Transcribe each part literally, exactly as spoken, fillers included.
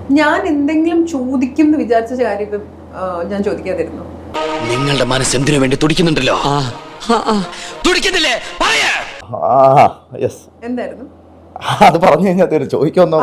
ഞാൻ എന്തെങ്കിലും ചോദിക്കും എന്ന് വിചാരിച്ച കാര്യം ഇപ്പം ഞാൻ ചോദിക്കാതിരുന്നു. നിങ്ങളുടെ മനസ്സ് എന്തിനു വേണ്ടി തുടിക്കുന്നുണ്ടല്ലോ? തുടിക്കുന്നില്ലേ? എന്തായിരുന്നു അത് പറഞ്ഞു കഴിഞ്ഞാൽ ചോദിക്കാന്നോ?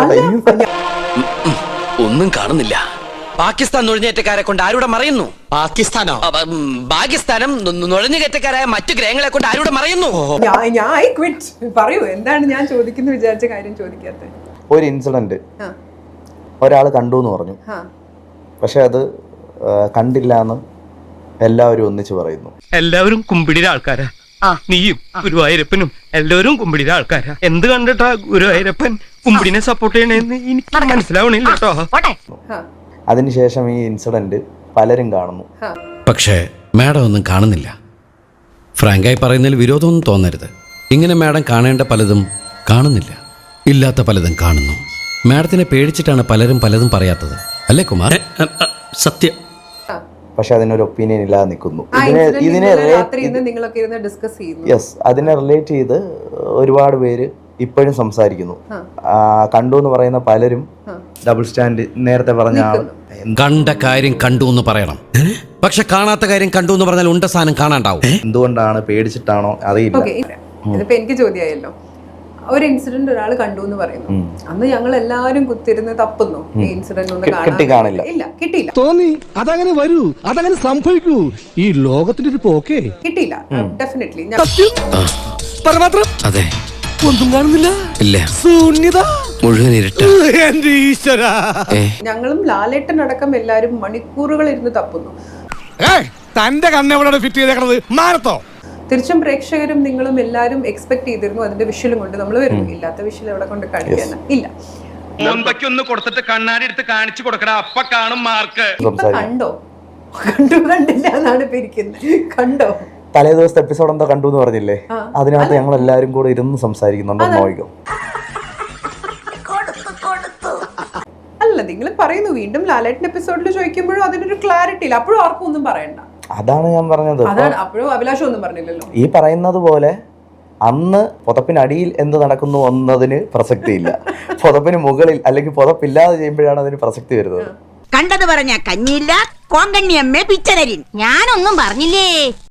ഒന്നും കാണുന്നില്ല. പാകിസ്ഥാൻ നുഴഞ്ഞേറ്റക്കാരെ കൊണ്ട് ആരുടെ മറയുന്നു? പാകിസ്ഥാനോ? പാകിസ്ഥാനം നുഴഞ്ഞുകയറ്റക്കാരായ മറ്റു ഗ്രഹങ്ങളെ കൊണ്ട് ആരുടെ മറയുന്നു? ഞാൻ പറയൂ, എന്താണ് ഞാൻ ചോദിക്കുന്നു വിചാരിച്ച കാര്യം ചോദിക്കാത്ത? ഒരു ഇൻസിഡന്റ് ഒരാൾ കണ്ടു എന്ന് പറഞ്ഞു, പക്ഷെ അത് കണ്ടില്ല എന്ന് എല്ലാവരും ഒന്നിച്ച് പറയുന്നു. എല്ലാവരും കുമ്പിടിയുടെ ആൾക്കാരാ. നീയും ഗുരുവായൂരപ്പനും എല്ലാവരും കുമ്പിടിയുടെ ആൾക്കാരാ. എന്ത് കണ്ടിട്ടാ ഗുരുവായൂരപ്പൻ കുമ്പിടിനെ സപ്പോർട്ട് ചെയ്യണേന്ന് എനിക്ക് മനസ്സിലാവണില്ല കേട്ടോ. അതിനുശേഷം ഈ ഇൻസിഡന്റ് പലരും കാണുന്നു, പക്ഷേ മാഡം ഒന്നും കാണുന്നില്ല. ഫ്രാങ്കായി പറയുന്നതിൽ വിരോധമൊന്നും തോന്നരുത്. ഇങ്ങനെ മാഡം കാണേണ്ട പലതും കാണുന്നില്ല, ഇല്ലാത്ത പലതും കാണുന്നു. മാഡത്തിനെ പേടിച്ചിട്ടാണ് പലരും പലതും പറയാത്തത്, അല്ലേ കുമാർ? സത്യം. പക്ഷെ അതിനൊരു ഒപ്പീനിയൻ ഇല്ലാതെ നിൽക്കുന്നു. ഇതിനെ യെസ് അതിനെ റിലേറ്റ് ചെയ്ത് ഒരുപാട് പേര് ഇപ്പോഴും സംസാരിക്കുന്നു. കണ്ടു എന്ന് പറയുന്ന പലരും ഡബിൾ സ്റ്റാൻഡ് നേരത്തെ പറഞ്ഞ കണ്ട കാര്യം കണ്ടു എന്ന് പറയണം, പക്ഷെ കാണാത്ത കാര്യം കണ്ടു എന്ന് പറഞ്ഞാൽ ഉണ്ട സാധനം കാണാണ്ടാവും. എന്തുകൊണ്ടാണ്, പേടിച്ചിട്ടാണോ അറിയില്ല. ഇതിപ്പോ എനിക്ക് ചോദ്യമായല്ലോ. ഒരു ഇൻസിഡന്റ് ഒരാൾ കണ്ടു എന്ന് പറയുന്നു, അന്ന് ഞങ്ങൾ എല്ലാവരും കുത്തിരുന്ന് തപ്പുന്നു ഈ ഇൻസിഡന്റ് ഒന്നും കാണില്ല. ഇല്ല, കിട്ടിയില്ല. തോന്നി അതങ്ങനെ വരൂ, അതങ്ങനെ സംഭവിക്കൂ. ഈ ലോകത്തിന്റെ ഒരു പോക്കേ കിട്ടിയില്ല. ഡെഫിനറ്റ്ലി അതെ, ഒന്നും കാണുന്നില്ല. ഇല്ല, ശൂന്യത മുഴുവൻ ഇരുട്ട്. എന്റെ ഈശ്വര, ഞങ്ങളും ലാലേട്ടൻ അടക്കം എല്ലാരും മണിക്കൂറുകൾ ഇരുന്ന് തപ്പുന്നു. തന്റെ കണ്ണെവിടെ ഫിറ്റ് ചെയ്തേക്കണത്? മാനത്തോ? തിരിച്ചും പ്രേക്ഷകരും നിങ്ങളും എല്ലാരും എക്സ്പെക്ട് ചെയ്തിരുന്നു അതിന്റെ വിഷ്വലും കൊണ്ട് നമ്മൾ വരും. ഇല്ലാത്ത വിഷ്വൽ എവിടെ കൊണ്ട് കാണിക്കാൻ ഇല്ല. ഒന്ന് കൊടുത്തിട്ട് കണ്ണാടി എടുത്ത് കാണിച്ചു കൊടുക്കടാ, അപ്പ കാണും മാർക്ക്. കണ്ടോ? കണ്ടു കണ്ടില്ല എന്നാണ് ഇരിക്കുന്നത്. കണ്ടോ? തലേ ദിവസത്തെ എപ്പിസോഡ് എന്താ കണ്ടു എന്ന് പറഞ്ഞില്ലേ, അതിനകത്ത് ഞങ്ങൾ എല്ലാരും കൂടെ ഇരുന്ന് സംസാരിക്കുന്നുണ്ടോ നോക്കിക്കോ. അല്ല, നിങ്ങൾ പറയുന്നു വീണ്ടും ലാലേട്ടൻ എപ്പിസോഡിൽ ചോദിക്കുമ്പോഴും അതിനൊരു ക്ലാരിറ്റി ഇല്ല. അപ്പോഴും ആർക്കും ഒന്നും പറയണ്ട. അതാണ് ഞാൻ പറഞ്ഞത്. അപ്പോഴും അഭിലാഷം ഒന്നും പറഞ്ഞില്ലല്ലോ. ഈ പറയുന്നത് പോലെ അന്ന് പുതപ്പിനടിയിൽ എന്ത് നടക്കുന്നു എന്നതിന് പ്രസക്തിയില്ല, പുതപ്പിന് മുകളിൽ അല്ലെങ്കിൽ പുതപ്പില്ലാതെ ചെയ്യുമ്പോഴാണ് അതിന് പ്രസക്തി വരുന്നത്. കണ്ടത് പറഞ്ഞ കഞ്ഞിയില്ല, കോങ്കണ്ണിയമ്മേ പിച്ചനരിൻ. ഞാനൊന്നും പറഞ്ഞില്ലേ.